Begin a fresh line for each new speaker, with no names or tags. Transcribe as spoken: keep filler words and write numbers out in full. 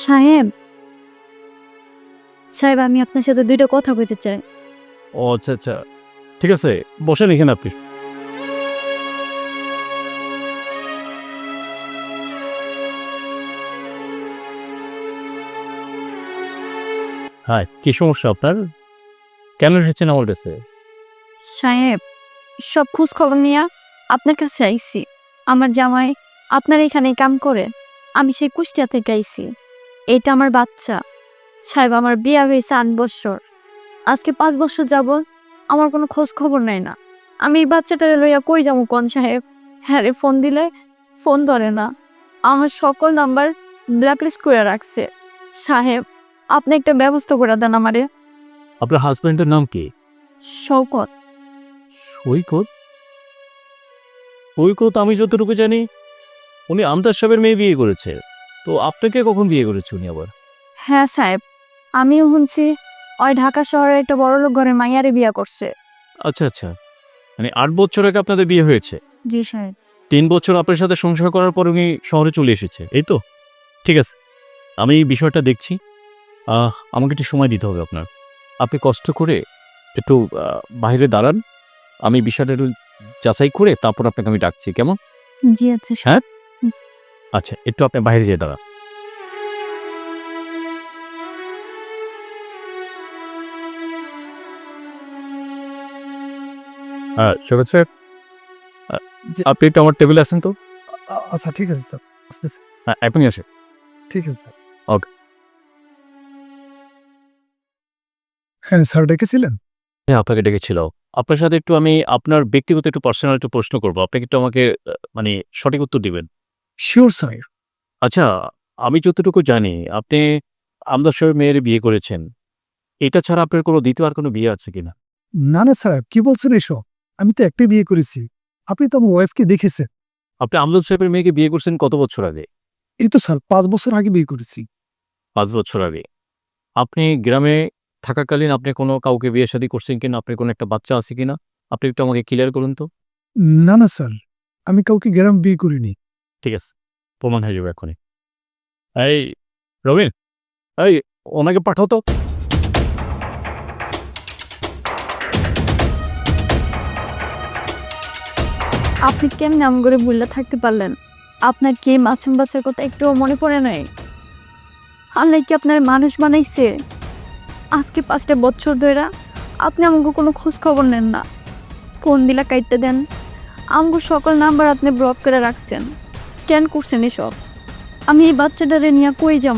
সাহেব সাহেব আমি আপনার সাথে দুইটা কথা কইতে চাই।
ও আচ্ছা আচ্ছা, ঠিক আছে, বসেন এখানে আপনি। হ্যাঁ, কি সমস্যা আপনার? কেন এসেছেন আমার কাছে?
সাহেব সব খোঁজ খবর নিয়ে আপনার কাছে আইছি। আমার জামাই আপনার এখানে কাম করে, আমি সেই কুষ্টিয়া থেকে আইছি। এটা আমার বাচ্চা। সাহেব আমার বিয়া হয়েছে আট বছর, আজকে পাঁচ বছর যাব আমার কোনো খোঁজ খবর নেয় না। আমি এই বাচ্চাটারে লইয়া কই যাবো কোন সাহেব? হ্যাঁ রে, ফোন দিলে ফোন ধরে না, আমার সকল নাম্বার ব্ল্যাকলিস্ট করে রাখছে। সাহেব আপনি একটা ব্যবস্থা করে দেন আমারে।
আপনার হাজব্যান্ডের নাম কি?
শওকত।
সৈকত? সৈকত আমি যতটুকু জানি উনি আমতার সাহেবের মেয়ে বিয়ে করেছে, তো আপনাকে কখন বিয়ে করেছে উনি আবার?
হ্যাঁ সাহেব, আমিও শুনছি ওই ঢাকা শহরের একটা বড়লোক ঘরের মাইয়ারে বিয়া করছে।
আচ্ছা আচ্ছা, মানে আট বছর আগে আপনাদের বিয়ে হয়েছে।
জি সাহেব।
তিন বছর আপনার সাথে সংসার করার পর উনি শহরে চলে এসেছে, এই তো? ঠিক আছে, আমি এই বিষয়টা দেখছি। আহ, আমাকে একটু সময় দিতে হবে আপনার। আপনি কষ্ট করে একটু আহ, বাইরে দাঁড়ান, আমি বিষয়টা একটু যাচাই করে তারপর আপনাকে আমি ডাকছি, কেমন?
জি আচ্ছা সাহেব।
হ্যাঁ আচ্ছা, একটু আপনি বাইরে যেয়ে দাঁড়ান। হ্যাঁ সৈকত সাহেব, আহ,
জি।
আপনি একটু আমার টেবিলে আসেন তো।
আ- আচ্ছা ঠিক আছে স্যার, আসতেছি।
হ্যাঁ আপনি আসেন।
ঠিক আছে স্যার।
ওকে।
হ্যাঁ স্যার ডেকেছিলেন?
হ্যাঁ আপনাকে ডেকেছিল। আপনার সাথে একটু আমি আপনার ব্যক্তিগত একটু পার্সোনাল একটু প্রশ্ন করবো, আপনি একটু আমাকে আহ, মানে সঠিক উত্তর দিবেন।
Sure sir.
আচ্ছা, আমি যতটুকু জানি আপনি আমদার সাহেবের মেয়ের বিয়ে করেছেন, এটা ছাড়া আপনার কোনো দ্বিতীয় আর কোনো বিয়ে আছে কিনা?
না না স্যার, কি বলছেন এসব? আমি তো একটাই বিয়ে করেছি। আপনি তো আমার ওয়াইফকে দেখেছেন।
আপনি আমদার সাহেবের মেয়েকে বিয়ে করছেন কত বছর আগে?
এই তো স্যার পাঁচ বছর আগে বিয়ে করেছি।
পাঁচ বছর আগে। আপনি গ্রামে থাকাকালীন আপনি কোনো কাউকে বিয়ে শাদী করছেন কিনা, আপনার কোনো একটা বাচ্চা আছে কিনা, আপনি একটু আমাকে ক্লিয়ার করুন তো।
না না স্যার, আমি কাউকে গ্রাম বিয়ে করিনি।
ঠিক আছে, প্রমাণ হয়ে যাবে এখনই। এই রবিন, এই ওনাকে পাঠাও তো।
আপনি কেমন নাম করে ভুললে থাকতে পারলেন? আপনার কি মাছুম বাচ্চার কথা একটুও মনে পড়ে নাই? আল্লাহ কি আপনার মানুষ বানাইছে? আজকে পাঁচটা বছর ধরে আপনি আমাকে কোনো খোঁজ খবর নেন না, ফোন দিলা কাইটতে দেন, আমাকে সকল নাম্বার আপনি ব্লক করে রাখছেন। কেন করছেন এসব? আমি এই বাচ্চাটারে নিয়ে কই যাব?